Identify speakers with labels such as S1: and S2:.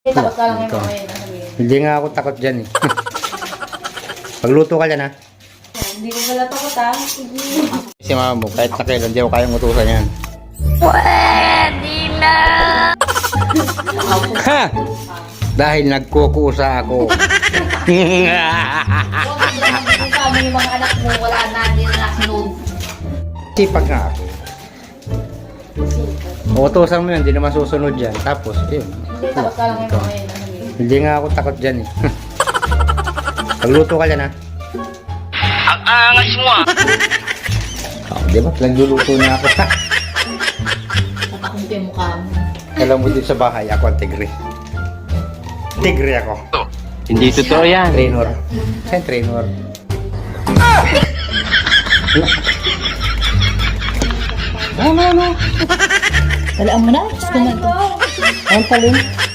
S1: Takot ka lang
S2: Ito.
S1: yung mga yun.
S2: Hindi nga ako takot dyan eh. Pagluto ka dyan ha.
S1: Hindi ko pala takot ha. Sige.
S2: Si mama mo, kahit na kailan, hindi ako kayang utusan yan.
S3: Pwede na!
S2: Ha! Dahil nagkukusa ako.
S1: Huwag mo kasama yung mga anak mo. Wala na, hindi na nasunod.
S2: Sipag nga ako. Utusan mo yun, hindi naman susunod yan. Tapos, yun.
S1: Hindi, takot ka lang yung mga yun.
S2: Hindi nga ako takot dyan eh. Pagluto ka dyan ha.
S3: Ang angas mo ah!
S2: Oh, di ba? Nagluluto niya ako.
S1: Tatakong ko yung mukha mo.
S2: Alam mo dito sa bahay, ako ang tigre. Tigre ako.
S3: Hindi totoo yan.
S2: Trainor. Saan trainor?
S1: Talaan mo na. Gusto mo ito.
S2: Ang talin.